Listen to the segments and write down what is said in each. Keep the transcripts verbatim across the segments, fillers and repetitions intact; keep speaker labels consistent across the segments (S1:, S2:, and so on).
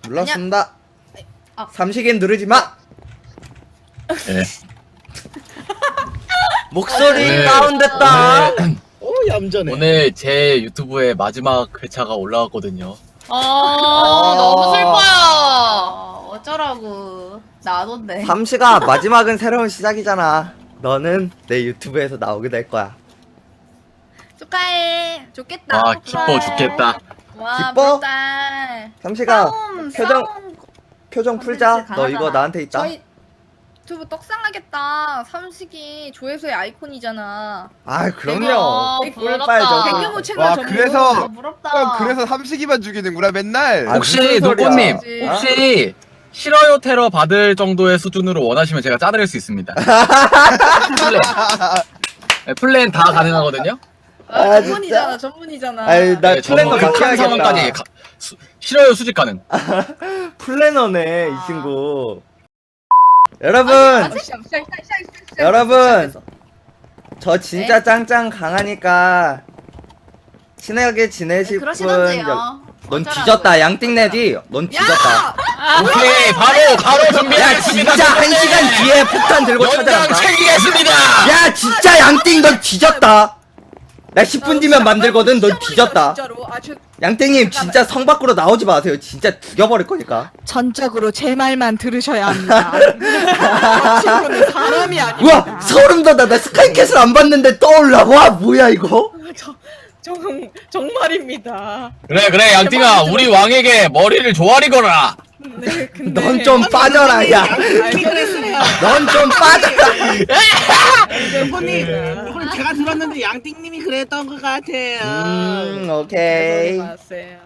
S1: 눌렀습니다.
S2: 아.
S1: 삼식인 누르지 마.
S3: 예.
S1: 목소리
S3: 네.
S1: 다운됐다.
S3: 오늘,
S4: 오 얌전해.
S3: 오늘 제 유튜브에 마지막 회차가 올라왔거든요.
S2: 아 너무 슬퍼요. 어쩌라고. 나던데.
S1: 삼식아, 마지막은 새로운 시작이잖아. 너는 내 유튜브에서 나오게 될 거야.
S2: 축하해. 좋겠다.
S3: 와 기뻐 죽겠다.
S2: 와
S1: 기뻐?
S2: 불달.
S1: 삼식아,
S2: 싸움,
S1: 표정
S2: 싸움
S1: 표정
S2: 컨텐츠
S1: 풀자. 너
S2: 강하잖아.
S1: 이거 나한테 있다.
S2: 저희 유튜브 떡상하겠다. 삼식이 조회수의 아이콘이잖아.
S1: 아, 그럼요.
S2: 대박.
S1: 꿀
S2: 부럽다.
S1: 빨죠.
S2: 백경호 채널
S5: 와,
S2: 전부.
S5: 그래서-
S2: 부럽다.
S5: 형 그래서 삼식이만 죽이는구나 맨날.
S1: 아,
S3: 혹시
S1: 무슨 소리야.
S3: 눈꽃님
S2: 그치.
S3: 혹시 싫어요 테러 받을 정도의 수준으로 원하시면 제가 짜드릴 수 있습니다. 플랜, 네, 플랜 다 가능하거든요.
S2: 아,
S1: 아,
S2: 전문이잖아. 전문이잖아.
S1: 아이, 나
S3: 네,
S1: 플랜도
S3: 저는
S1: 같이
S3: 극한 상황까지
S1: 하겠다.
S3: 가- 수- 싫어요 수집 가능.
S1: 플래너네, 이
S2: 아.
S1: 친구. 여러분,
S2: 아, 시작, 시작, 시작, 시작, 시작,
S1: 여러분.
S2: 시작했어.
S1: 저 진짜
S2: 네?
S1: 짱짱 강하니까 친하게 지내실 분.
S2: 그러시던데요.
S1: 넌
S2: 어쩌라고요.
S1: 뒤졌다. 양띵내디. 넌 뒤졌다.
S3: 오케이 바로 바로
S1: 야,
S3: 준비하겠습니다.
S1: 진짜 한 시간 뒤에 폭탄 들고
S3: 연장
S1: 찾아간다.
S3: 챙기겠습니다.
S1: 야, 진짜 양띵 넌 뒤졌다. 나 십 분 뒤면 만들거든. 넌 뒤졌다.
S2: 진짜로. 아, 저,
S1: 양띵님 진짜 성 밖으로 나오지 마세요. 진짜 죽여버릴 거니까.
S6: 전적으로 제 말만 들으셔야 합니다. 친구는 사람이 아닙니다.
S1: 우와, 소름 돋아. 나 스카이캐슬 안 봤는데 떠올라. 와, 뭐야 이거?
S6: 정, 정말입니다.
S3: 그래 그래 양띵아 우리 왕에게 머리를 조아리거라.
S6: 네, 근데
S1: 넌 좀 빠져라, 야.
S6: 알겠어요.
S1: 넌 좀 빠져라.
S4: 대포님, 그걸 제가 들었는데 양띵님이 그랬던 것 같아요.
S1: 음, 오케이.
S6: 마세요.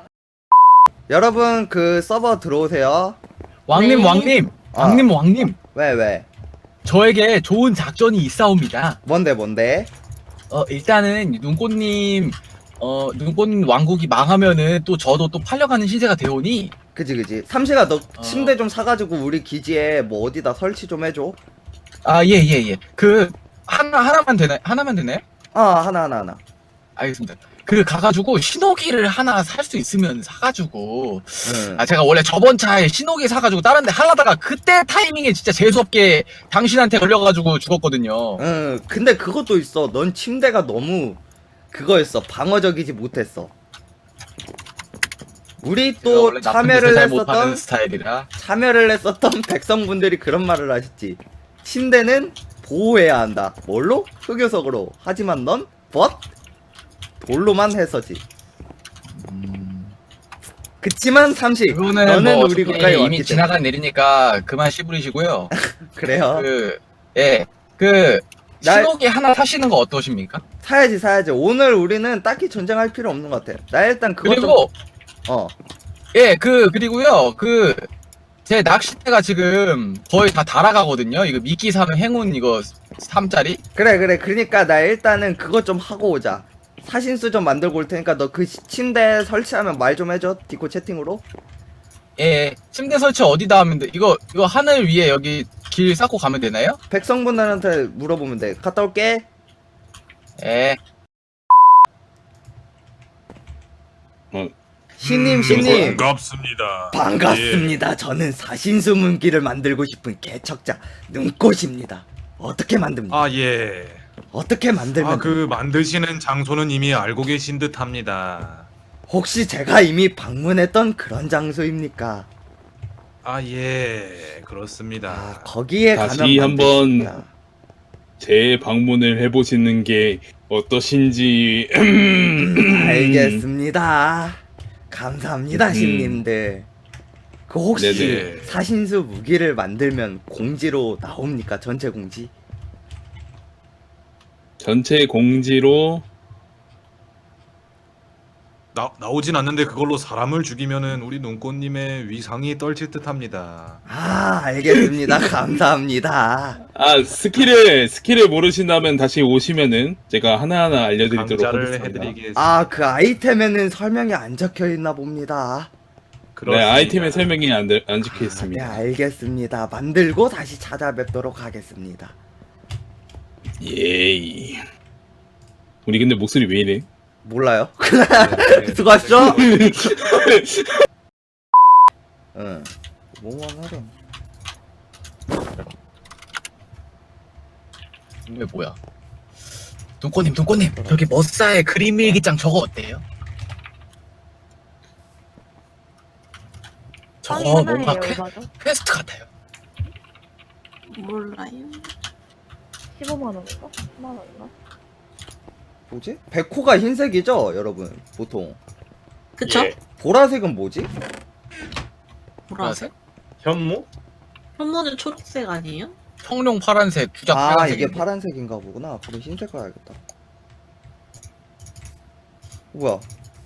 S1: 여러분 그 서버 들어오세요.
S3: 왕님
S6: 네.
S3: 왕님
S1: 아.
S3: 왕님 왕님
S1: 왜 왜?
S3: 저에게 좋은 작전이 있사옵니다.
S1: 뭔데 뭔데?
S3: 어 일단은 눈꽃님 어 눈꽃님 왕국이 망하면은 또 저도 또 팔려가는 신세가 되오니
S1: 그지 그지. 삼시가 너
S3: 어.
S1: 침대 좀 사가지고 우리 기지에 뭐 어디다 설치 좀 해줘.
S3: 아 예 예 예 그 하나 하나만 되나 하나만 되나요?
S1: 아 하나 하나 하나.
S3: 알겠습니다. 그 가가지고 신호기를 하나 살 수 있으면 사가지고
S1: 응.
S3: 아 제가 원래 저번 차에 신호기 사가지고 다른데 하려다가 그때 타이밍에 진짜 재수없게 당신한테 걸려가지고 죽었거든요.
S1: 응. 근데 그것도 있어. 넌 침대가 너무 그거였어. 방어적이지 못했어. 우리
S3: 제가
S1: 또
S3: 원래 나쁜
S1: 참여를
S3: 짓을 잘 못하는
S1: 했었던
S3: 스타일이라
S1: 참여를 했었던 백성분들이 그런 말을 하셨지. 침대는 보호해야 한다. 뭘로? 흑요석으로. 하지만 넌 벗? 돌로만 했었지. 그치만 삼식
S3: 그거는
S1: 너는
S3: 뭐
S1: 우리
S3: 어차피
S1: 국가에
S3: 이미
S1: 왔기 때문에
S3: 지나간 일이니까 그만 씨부리시고요.
S1: 그래요.
S3: 그 예 그
S1: 나-
S3: 신호기 하나 사시는 거 어떠십니까?
S1: 사야지 사야지. 오늘 우리는 딱히 전쟁할 필요 없는 것 같아. 나 일단 그거
S3: 그리고
S1: 좀 어.
S3: 예 그 그리고요 그 제 낚싯대가 지금 거의 다 달아가거든요. 이거 미끼 사는 행운 이거 삼 짜리.
S1: 그래 그래. 그러니까 나 일단은 그거 좀 하고 오자. 사신수 좀 만들고 올 테니까 너 그 침대 설치하면 말 좀 해줘. 디코 채팅으로.
S3: 예 침대 설치 어디다 하면 돼? 이거 이거 하늘 위에 여기 길 쌓고 가면 되나요?
S1: 백성분들한테 물어보면 돼. 갔다 올게.
S3: 예.
S1: 신님
S7: 음,
S1: 신님.
S7: 반갑습니다.
S1: 반갑습니다. 저는 사신수 문기를 만들고 싶은 개척자 눈꽃입니다. 어떻게 만듭니까?
S7: 아 예.
S1: 어떻게 만들면
S7: 아 그 만드시는 장소는 이미 알고 계신 듯합니다.
S1: 혹시 제가 이미 방문했던 그런 장소입니까?
S7: 아 예, 그렇습니다.
S1: 아, 거기에
S8: 다시
S1: 가면
S8: 한번
S1: 만들겠습니다.
S8: 재방문을 해보시는 게 어떠신지.
S1: 알겠습니다. 감사합니다,
S8: 음.
S1: 신님들. 그 혹시
S7: 네네.
S1: 사신수 무기를 만들면 공지로 나옵니까? 전체 공지?
S8: 전체 공지로
S7: 나 나오진 않는데 그걸로 사람을 죽이면은 우리 눈꽃님의 위상이 떨칠 듯합니다.
S1: 아, 알겠습니다. 감사합니다.
S8: 아 스킬을 스킬을 모르신다면 다시 오시면은 제가 하나하나 알려드리도록
S7: 강좌를
S8: 하겠습니다.
S7: 해드리겠습니다.
S1: 아, 그 아이템에는 설명이 안 적혀 있나 봅니다.
S8: 네,
S7: 그렇습니다.
S8: 아이템의 설명이 안, 들- 안 적혀
S1: 아, 네,
S8: 있습니다.
S1: 알겠습니다. 만들고 다시 찾아뵙도록 하겠습니다.
S8: 예이. 우리 근데 목소리 왜 이래?
S1: 몰라요?
S7: 네, 네.
S1: 수고하셨죠? 응. 뭐만 하렴.
S3: 이게 뭐야? 눈꽃님, 눈꽃님, 저기 머싸의 그림 일기장 저거 어때요? 저거 뭔가 퀘, 퀘스트 같아요.
S4: 몰라요.
S9: 십오만 원인가? 십만 원인가?
S1: 뭐지? 백호가 흰색이죠, 여러분. 보통.
S4: 그쵸?
S8: 예.
S1: 보라색은 뭐지?
S4: 보라색?
S8: 현무?
S4: 현무는 초록색 아니에요?
S3: 청룡 파란색, 주작
S1: 아,
S3: 빨간색.
S1: 이게 파란색인가 보구나. 그럼 흰색 가야겠다. 뭐야?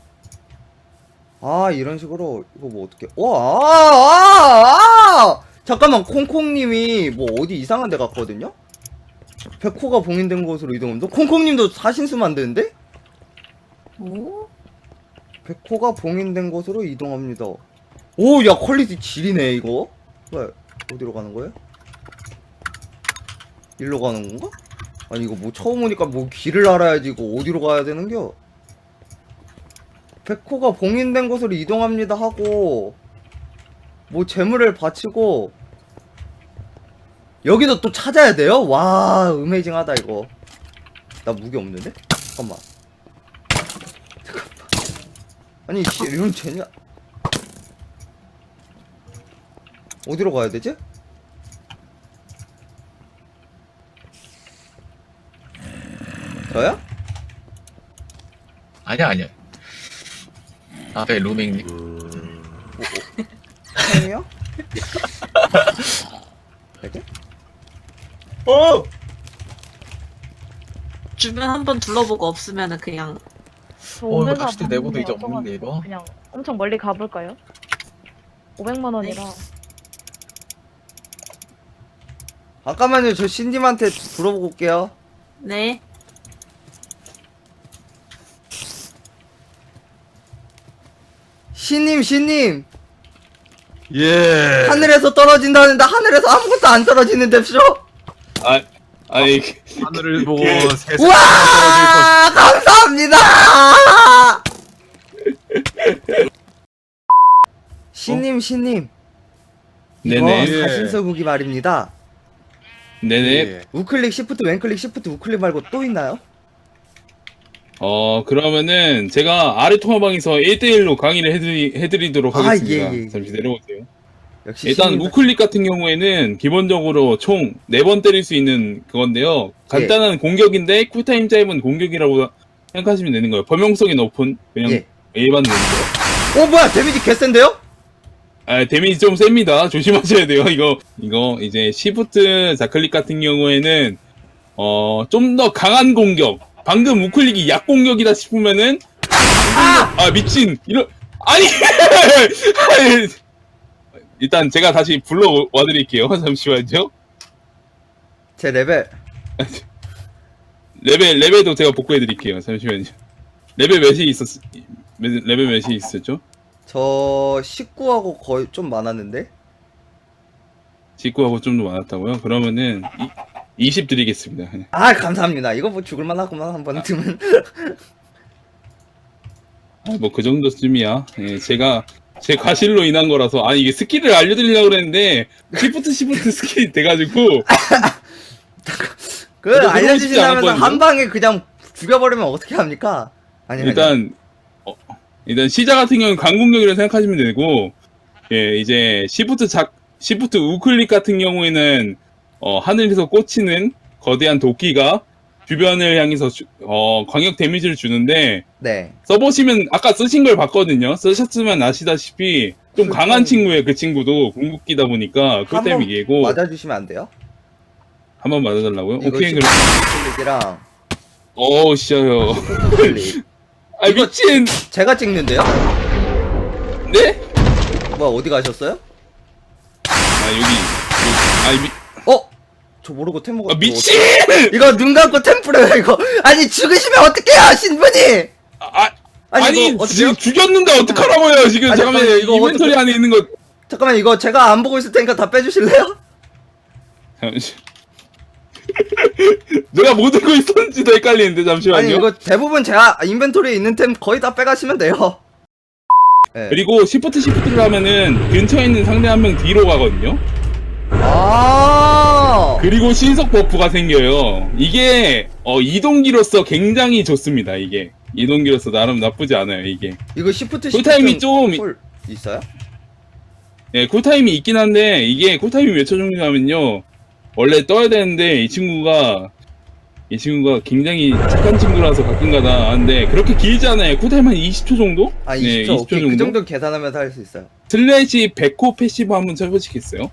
S1: 아, 이런 식으로 이거 뭐 어떻게? 와, 아, 아, 아! 잠깐만, 콩콩님이 뭐 어디 이상한 데 갔거든요? 백호가 봉인된 곳으로 이동합니다. 콩콩님도 사신수 만드는데?
S4: 오?
S1: 백호가 봉인된 곳으로 이동합니다. 오, 야, 퀄리티 지리네, 이거. 왜? 어디로 가는 거예요? 일로 가는 건가? 아니, 이거 뭐 처음 오니까 뭐 길을 알아야지, 이거 어디로 가야 되는겨? 백호가 봉인된 곳으로 이동합니다 하고, 뭐 재물을 바치고, 여기도 또 찾아야 돼요? 와, 어메이징하다, 이거. 나 무기 없는데? 잠깐만. 잠깐만. 아니, 씨, 이런 쟤냐. 어디로 가야 되지? 저요?
S3: 아니야, 아니야. 아, 네, 루밍님.
S1: 형이요? 되게?
S8: 어!
S4: 주변 한번 둘러보고 없으면은 그냥
S9: 저
S3: 어, 이거
S9: 오메가
S3: 낚시대 내고도 이제
S9: 받는 거
S3: 없는데, 이거?
S9: 그냥 엄청 멀리 가볼까요? 오백만 원이라.
S1: 잠깐만요, 저 신님한테 물어보고 올게요.
S4: 네.
S1: 신님, 신님!
S7: 예.
S1: 하늘에서 떨어진다는데 하늘에서 아무것도 안 떨어지는데, 쇼?
S8: 아, 아니,
S7: 하늘을 보고
S8: 그-
S7: 세상에 떨어질
S1: 우와! 감사합니다! 신님, 신님.
S8: 네네.
S1: 이거
S7: 예.
S1: 사신서 무기 말입니다.
S8: 네네.
S7: 예.
S1: 우클릭, 시프트, 왼클릭, 시프트, 우클릭 말고 또 있나요?
S8: 어, 그러면은 제가 아래 통화방에서 일 대일로 강의를 해드리, 해드리도록
S1: 아,
S8: 하겠습니다.
S1: 예, 예, 예.
S8: 잠시 내려오세요.
S1: 역시
S8: 일단
S1: 신님.
S8: 우클릭 같은 경우에는 기본적으로 총 네 번 때릴 수 있는 그건데요. 간단한
S1: 예.
S8: 공격인데 쿨타임 짧은 공격이라고 생각하시면 되는 거예요. 범용성이 높은 그냥
S1: 예.
S8: 일반 놈이죠.
S1: 어, 뭐야, 데미지 개센데요?
S8: 아, 데미지 좀 셉니다. 조심하셔야 돼요. 이거 이거 이제 시프트 좌클릭 같은 경우에는 어 좀 더 강한 공격. 방금 우클릭이 약 공격이다 싶으면은 아, 아 미친 이런 아니 일단 제가 다시 불러 와드릴게요. 잠시만요.
S1: 제 레벨.
S8: 레벨 레벨도 제가 복구해드릴게요. 잠시만요. 레벨 몇이 있었 레벨 몇이 있었죠?
S1: 저 십구하고 거의 좀 많았는데.
S8: 직구하고 좀 더 많았다고요? 그러면은 이, 이십 드리겠습니다.
S1: 아, 감사합니다. 이거 뭐 죽을만 하구만, 한 번 드면.
S8: 뭐 그 정도쯤이야. 예, 제가 제 과실로 인한 거라서 아니 이게 스킬을 알려드리려고 그랬는데 시프트 시프트 스킬이 돼가지고
S1: 그,
S8: 저도 그러고 싶지
S1: 알려주신다면서
S8: 않았거든요.
S1: 한 방에 그냥 죽여버리면 어떻게 합니까? 아니, 아니.
S8: 일단 어, 일단 시자 같은 경우는 강공격이라고 생각하시면 되고 예 이제 시프트 작 시프트 우클릭 같은 경우에는 어, 하늘에서 꽂히는 거대한 도끼가 주변을 향해서 주- 어, 광역 데미지를 주는데
S1: 네.
S8: 써보시면 아까 쓰신 걸 봤거든요. 쓰셨으면 아시다시피 좀
S1: 쿨타임.
S8: 강한 친구예요. 그 친구도 궁극기다 보니까
S1: 한
S8: 쿨타임
S1: 번
S8: 이기고
S1: 맞아주시면 안 돼요?
S8: 한번 맞아달라고요?
S1: 이거
S8: 오케이 그럼
S1: 클릭이랑
S8: 어우 씨요.
S1: 클릭.
S8: 아
S1: 이거-
S8: 미친.
S1: 제가 찍는데요?
S8: 네?
S1: 뭐야, 어디 가셨어요?
S8: 아 여기. 여기. 아 미.
S1: 어? 저 모르고 템
S8: 아 미친.
S1: 이거 눈 감고 템플해요, 이거. 아니, 죽으시면 어떡해요, 신분이!
S8: 아
S1: 아니,
S8: 아니,
S1: 이거
S8: 지금
S1: 어떡해요?
S8: 죽였는데 어떡하라고요 지금.
S1: 아니,
S8: 잠깐만
S1: 잠깐만, 이거
S8: 이벤토리
S1: 어떡해?
S8: 안에 있는 거.
S1: 잠깐만, 이거 제가 안 보고 있을 테니까 다 빼주실래요?
S8: 잠시. 내가 뭐 들고 있었는지도 헷갈리는데 잠시만요.
S1: 아니, 이거 대부분 제가 인벤토리에 있는 템 거의 다 빼가시면 돼요. 네.
S8: 그리고 시프트 시프트를 하면은 근처에 있는 상대 한 명 뒤로 가거든요.
S1: 아
S8: 그리고 신속 버프가 생겨요. 이게 어, 이동기로서 굉장히 좋습니다. 이게 이동기로서 나름 나쁘지 않아요. 이게
S1: 이거 시프트
S8: 쿨타임이 좀
S1: 콜 있어요?
S8: 예, 쿨타임이 있긴 한데 이게 쿨타임이 몇 초 정도냐면요. 원래 떠야 되는데 이 친구가 이 친구가 굉장히 착한 친구라서 가끔가다 하는데 그렇게 길지 않아요. 쿨타임 한 이십 초 정도?
S1: 아 이십 초,
S8: 네, 이십 초
S1: 오케이
S8: 정도.
S1: 그 정도 계산하면서 할 수 있어요.
S8: 슬래시 백호 패시브 한번 쳐보시겠어요?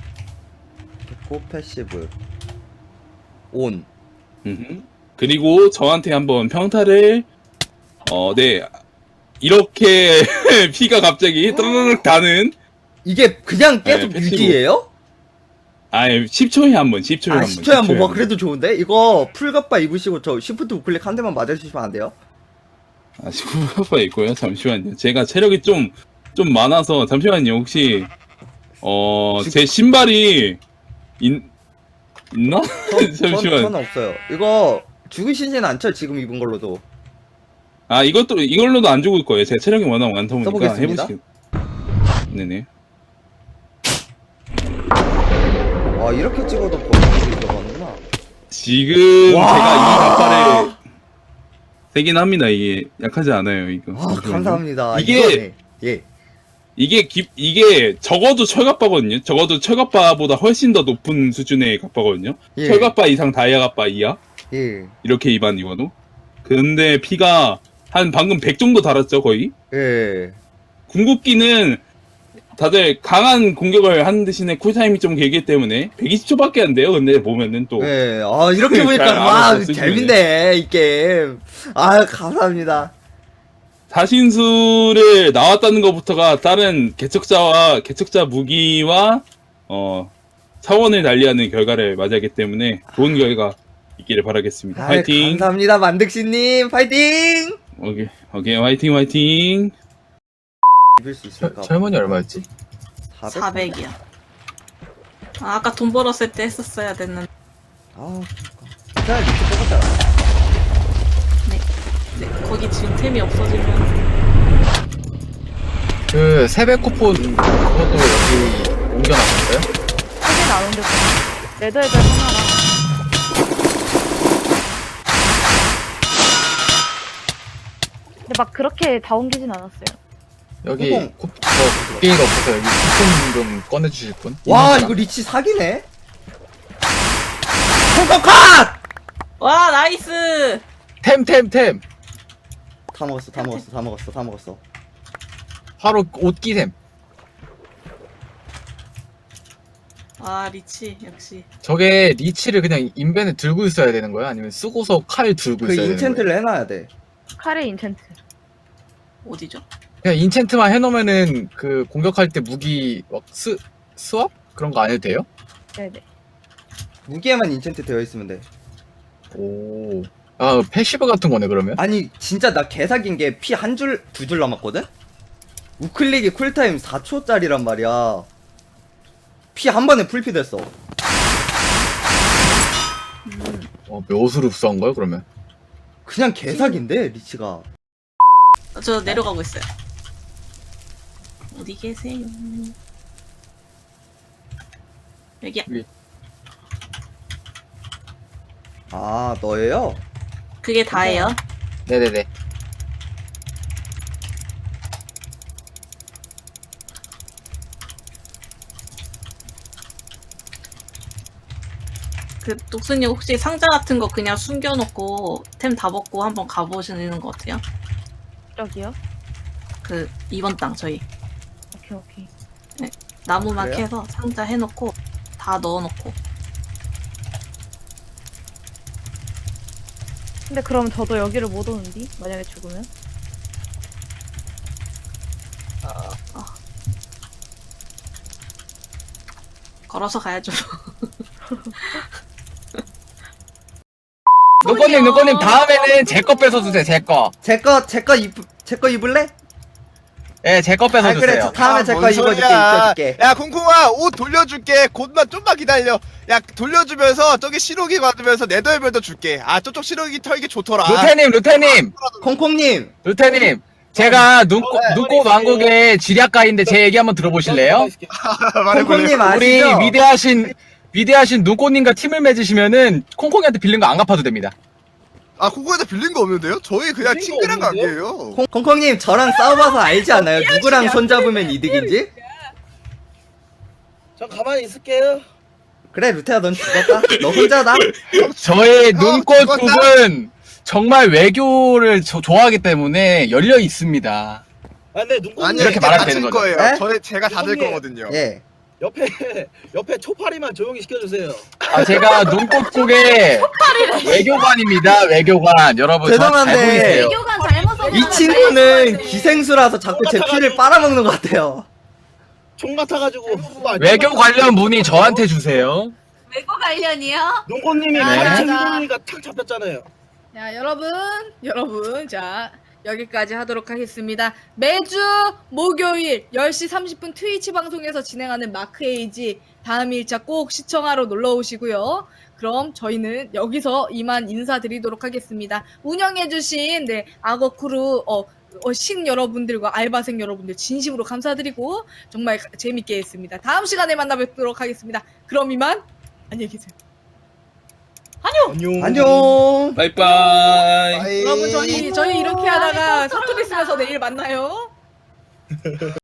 S1: 고 패시브 온.
S8: 음흠. 그리고 저한테 한번 평타를 어, 네 이렇게 피가 갑자기 떠르륵 다는
S1: 이게 그냥 계속
S8: 네, 패시브.
S1: 유지예요?
S8: 아 십 초에 한 번, 십 초에
S1: 아
S8: 한 번.
S1: 십 초에 한번
S8: 십 초에
S1: 와
S8: 한
S1: 그래도 좋은데? 이거 풀갑바 입으시고 저 시프트 우클릭 한 대만 맞아주시면 안 돼요?
S8: 번. 아 시구가 있고요. 잠시만요. 제가 체력이 좀 좀 많아서 잠시만요. 혹시 어 제 신발이 있 있나?
S1: 전,
S8: 잠시만.
S1: 저는 없어요. 이거 죽으시진 않죠? 지금 입은 걸로도.
S8: 아 이것도 이걸로도 안 죽을 거예요. 제가 체력이 워낙 많다 보니까
S1: 써보겠습니다.
S8: 해보시. 네네.
S1: 와 이렇게 찍어도 버튼이 들어가는구나.
S8: 지금
S1: 와.
S8: 제가 이 갑발에 세긴 합니다. 이게 약하지 않아요. 이거.
S1: 와 감사합니다.
S8: 이게-
S1: 이거네. 예.
S8: 이게 기, 이게 적어도 철갑바거든요. 적어도 철갑바보다 훨씬 더 높은 수준의 갑바거든요.
S1: 예.
S8: 철갑바 이상 다이아 갑바 이하
S1: 예.
S8: 이렇게 입안 입어도. 근데 피가 한 방금 백 정도 달았죠 거의.
S1: 예.
S8: 궁극기는 다들 강한 공격을 하는 대신에 쿨타임이 좀 길기 때문에 백이십 초밖에 안 돼요. 근데 보면은 또
S1: 예. 아 이렇게
S8: 잘
S1: 보니까
S8: 알아서
S1: 와
S8: 쓰시네.
S1: 재밌네 이 게임. 아 감사합니다.
S8: 사신수를 나왔다는 것부터가 다른 개척자와 개척자 무기와 어 차원을 달리하는 결과를 맞이하기 때문에 좋은 결과 있기를 바라겠습니다.
S1: 아
S8: 화이팅!
S1: 감사합니다 만득씨님 파이팅.
S8: 오케이 오케이 화이팅 화이팅!
S1: 입을 수 있을까?
S3: 철문이 얼마였지?
S1: 사백?
S4: 사백이야. 아, 아까 돈 벌었을 때 했었어야 됐는데.
S1: 아 그러니까. 자 밑에 뽑았잖아.
S4: 네, 거기 지금 템이 없어지면.
S3: 그 세배 쿠폰 그것도 여기 옮겨놨었어요?
S9: 사진 안 옮겼구나. 레드헤드 하나랑. 근데 막 그렇게 다 옮기진 않았어요.
S3: 여기
S1: 쿠폰.
S3: 쿠, 저 국게이가 없어서 여기 쿠폰 좀 꺼내주실 분?
S1: 와
S3: 있는
S1: 이거
S3: 사람?
S1: 리치 사기네. 콩콩컷!
S4: 와, 나이스!
S3: 템 템 템!
S1: 다 먹었어 다 먹었어 다 먹었어 다 먹었어.
S3: 바로 옷기템.
S4: 아, 리치, 역시.
S3: 저게 리치를 그냥 인벤에 들고 있어야 되는 거야? 아니면 쓰고서 칼 들고
S1: 그
S3: 있어야 되는 거야?
S1: 인챈트를 해놔야 돼.
S9: 칼의 인챈트.
S4: 어디죠?
S3: 그냥 인챈트만 해놓으면은 그 공격할 때 무기 막 스, 스왑? 그런 거 안 해도 돼요?
S9: 네네.
S1: 무기에만 인챈트 되어 있으면 돼.
S3: 오. 아, 패시브 같은 거네, 그러면?
S1: 아니 진짜 나 개사긴 게 피 한 줄 두 줄 남았거든? 우클릭이 쿨타임 사 초짜리란 말이야. 피 한 번에 풀피 됐어.
S3: 어, 묘수로 흡수한 거야, 그러면?
S1: 그냥 개사긴데 리치가.
S4: 저 내려가고 있어요. 어디 계세요? 여기야.
S1: 아 너예요?
S4: 그게 다예요.
S3: 네네네.
S4: 그 독수님 혹시 상자 같은 거 그냥 숨겨놓고 템 다 먹고 한번 가보시는 거 어때요?
S9: 저기요?
S4: 그 이번 땅 저희
S9: 오케이 오케이.
S4: 나무만
S1: 그래요?
S4: 캐서 상자 해놓고 다 넣어놓고.
S9: 근데 그럼 저도 여기를 못 오는디? 만약에 죽으면?
S4: 걸어서 가야죠.
S3: 누꺼님, 누꺼님, 다음에는 제 거 뺏어주세요, 제 거.
S1: 제거 제거 입 제거 입을래?
S3: 예, 제 거
S1: 아 그래
S3: 뺏어주세요.
S1: 저 다음에
S5: 아,
S1: 제거
S5: 뭔
S1: 입어줄게
S5: 소리야.
S1: 입혀줄게.
S5: 야 콩콩아 옷 돌려줄게. 곧만 좀만 기다려. 야 돌려주면서 저기 시로기 받으면서 네더벨도 줄게. 아 저쪽 시로기 털기 좋더라.
S3: 루테님, 루테님,
S1: 콩콩님
S3: 루테님. 제가 눈꽃 눈꽃 왕국의 지략가인데 제 얘기 한번 들어보실래요?
S1: 콩콩님
S3: 우리
S1: 아시죠?
S3: 위대하신 위대하신 눈꽃님과 팀을 맺으시면은 콩콩이한테 빌린 거 안 갚아도 됩니다.
S5: 아 코코한테 빌린 거 없는데요? 저희 그냥
S4: 빌린 거
S5: 친근한
S4: 없는데요?
S5: 관계예요.
S1: 콩- 콩콩님 저랑 싸워봐서 알지 않나요? 누구랑 손잡으면 이득인지?
S4: 전 가만히 있을게요.
S1: 그래 루테야 넌 죽었다. 너 혼자다.
S3: 저의
S5: 어,
S3: 눈꽃국은 정말 외교를 저- 좋아하기 때문에 열려 있습니다.
S4: 아 근데 눈꽃님
S5: 아니
S3: 이렇게
S5: 이렇게
S3: 말하면
S5: 다칠
S3: 되는 거죠.
S5: 거예요.
S1: 에?
S5: 저희 제가 다 될
S4: 콩콩님.
S5: 거거든요.
S1: 예.
S4: 옆에 옆에 초파리만 조용히 시켜주세요.
S3: 아, 제가 눈꽃국의 외교관입니다. 외교관. 여러분
S1: 죄송한데.
S3: 잘 보이세요.
S2: 교관 잘못 썼
S1: 이 친구는 기생수라서 자꾸 제 피를 빨아먹는 것 같아요.
S4: 총 같아가지고
S3: 외교 관련 문의 저한테 주세요.
S2: 외고 관련이요?
S4: 눈꽃님이
S3: 네.
S4: 가르쳐 주니까 탁 잡혔잖아요.
S2: 자, 여러분, 여러분, 자, 여기까지 하도록 하겠습니다. 매주 목요일 열 시 삼십 분 트위치 방송에서 진행하는 마크에이지 다음 일차 꼭 시청하러 놀러 오시고요. 그럼 저희는 여기서 이만 인사드리도록 하겠습니다. 운영해주신 네, 악어 크루 어, 어, 신 여러분들과 알바생 여러분들 진심으로 감사드리고 정말 가- 재밌게 했습니다. 다음 시간에 만나 뵙도록 하겠습니다. 그럼 이만 안녕히 계세요.
S4: 안녕.
S1: 안녕.
S8: 바이바이.
S5: 빠이.
S2: 여러분 저희 저희 이렇게 하다가 사투리 쓰면서 내일 만나요.